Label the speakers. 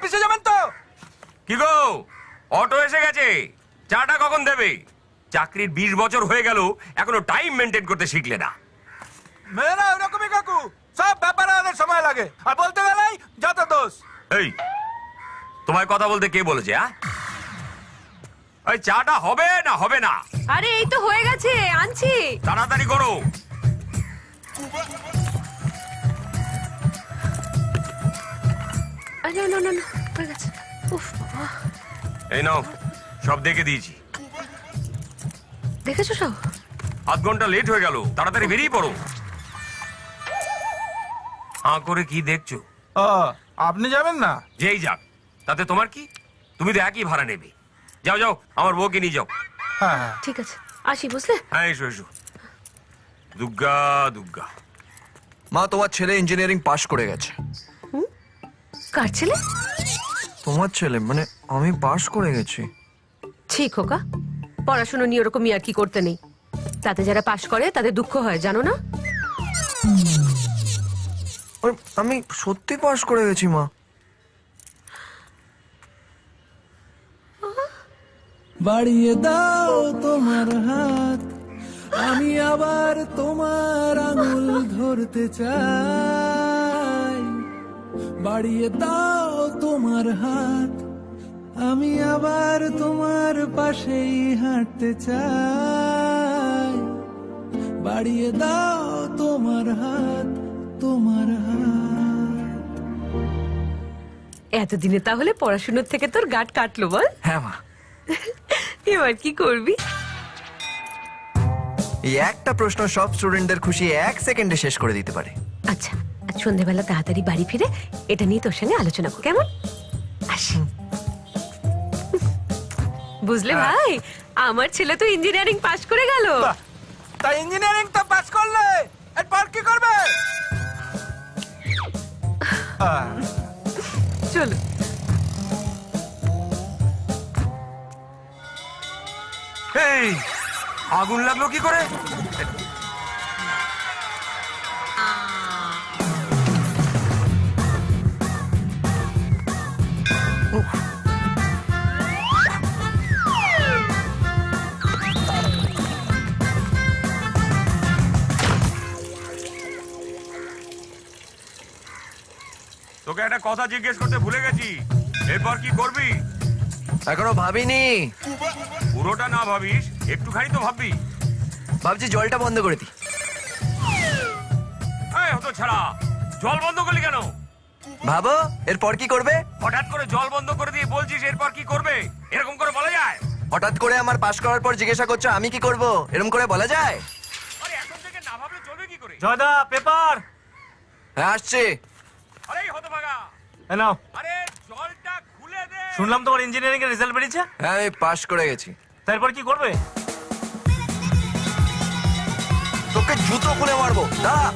Speaker 1: অফিসে যাবেন তো?
Speaker 2: কি গো, অটো এসে গেছে, চাটা কখন দেবে? চাকরির 20 বছর হয়ে গেল, এখনো টাইম মেনটেন করতে শিখলে না।
Speaker 1: মেয়েরা ওরকমই কাকু, সব ব্যাপারে ওদের সময় লাগে, আর বলতে গেলেই যত দোষ।
Speaker 2: এই, তোমায় কথা বলতে কে বলেছে? ওই চাটা হবে না হবে না?
Speaker 3: আরে এই তো হয়ে গেছে, আনছি।
Speaker 2: তাড়াতাড়ি করো।
Speaker 3: আরে না না না, হয়ে গেছে। উফ বাবা,
Speaker 2: এই নাও, সব দেখে দিয়েছি।
Speaker 3: দেখেছো সব?
Speaker 2: আধ ঘন্টা লেট হয়ে গেল, তাড়াতাড়ি বেরিয়ে পড়ো। করে কি দেখছো?
Speaker 1: ও, আপনি যাবেন না?
Speaker 2: যেই যাক, তাতে তোমার কি? তুমি তো একই ভাড়া নেবে। যাও যাও, আমার বউকে নিয়ে যাও।
Speaker 1: হ্যাঁ হ্যাঁ।
Speaker 3: ঠিক আছে, আসি, বুঝলে?
Speaker 2: হ্যাঁ, এসো এসো। দুর্গা দুর্গা।
Speaker 4: মা, তোমার ছেলে ইঞ্জিনিয়ারিং পাশ করে গেছে।
Speaker 3: কার ছেলে?
Speaker 4: তোমার ছেলে, মানে আমি পাশ করে গেছি।
Speaker 3: ঠিক খোকা, পড়াশুনো নিয়ে ওরকম আর কি করতে নেই। তাতে যারা পাশ করে তাদের দুঃখ হয়, জানো না?
Speaker 4: আমি সত্যি পাশ করে গেছি মা।
Speaker 5: বাড়িয়ে দাও তোমার হাত, আমি আবার তোমার আঙুল ধরতে চাই। বাড়িয়ে দাও তোমার হাত, আমি আবার তোমার পাশেই হাঁটতে চাই। বাড়িয়ে দাও তোমার হাত, তোমার হাত।
Speaker 3: এতদিনে তাহলে পড়াশুনোর থেকে তোর গাঁট কাটলো, বল?
Speaker 4: হ্যাঁ মা।
Speaker 3: এবার কি করবি?
Speaker 4: এই একটা প্রশ্ন সব স্টুডেন্টদের খুশি 1 সেকেন্ডে শেষ করে দিতে পারে।
Speaker 3: আচ্ছা, আজ সন্ধ্যেবেলা তাড়াতাড়ি বাড়ি ফিরে এটা নিয়ে তোর সঙ্গে আলোচনা কর, কেমন? আসি। বুঝলে ভাই, আমার ছেলে তো ইঞ্জিনিয়ারিং পাশ করে গেল।
Speaker 1: বাহ, তা ইঞ্জিনিয়ারিং তো পাস করলে এরপর কি করবে?
Speaker 3: চলো।
Speaker 2: এই, আগুন লাগলো কি করে? তোকে একটা কথা জিজ্ঞেস করতে ভুলে গেছি, এরপর কি করবি?
Speaker 4: এখনো ভাবিনি।
Speaker 2: পুরোটা না ভাবিস, একটুখানি তো ভাববি।
Speaker 4: ভাবছি জলটা বন্ধ করে দিই।
Speaker 2: এই হতো ছাড়া, জল বন্ধ করলি কেন?
Speaker 4: ভাবো এরপর কি করবে।
Speaker 2: হঠাৎ করে জল বন্ধ করে দিয়ে বলছিস এরপর কি করবে? এরকম করে বলা যায়?
Speaker 4: হঠাৎ করে আমার পাশ করার পর জিজ্ঞাসা করছো আমি কি করব, এরকম করে বলা যায়?
Speaker 2: আরে এখন থেকে না ভাবলে চলবে কি করে?
Speaker 1: জয়দা, পেপার।
Speaker 4: হ্যাঁ আসছে।
Speaker 2: আরে হতভাগা,
Speaker 1: এ নাও।
Speaker 2: আরে জলটা খুলে দে।
Speaker 1: শুনলাম তোমার ইঞ্জিনিয়ারিং এর রেজাল্ট বেরিয়েছে।
Speaker 4: হ্যাঁ আমি পাশ করে গেছি।
Speaker 1: তারপর কি করবে?
Speaker 4: তোকে জুতো খুলে মারবো, দাঁড়া।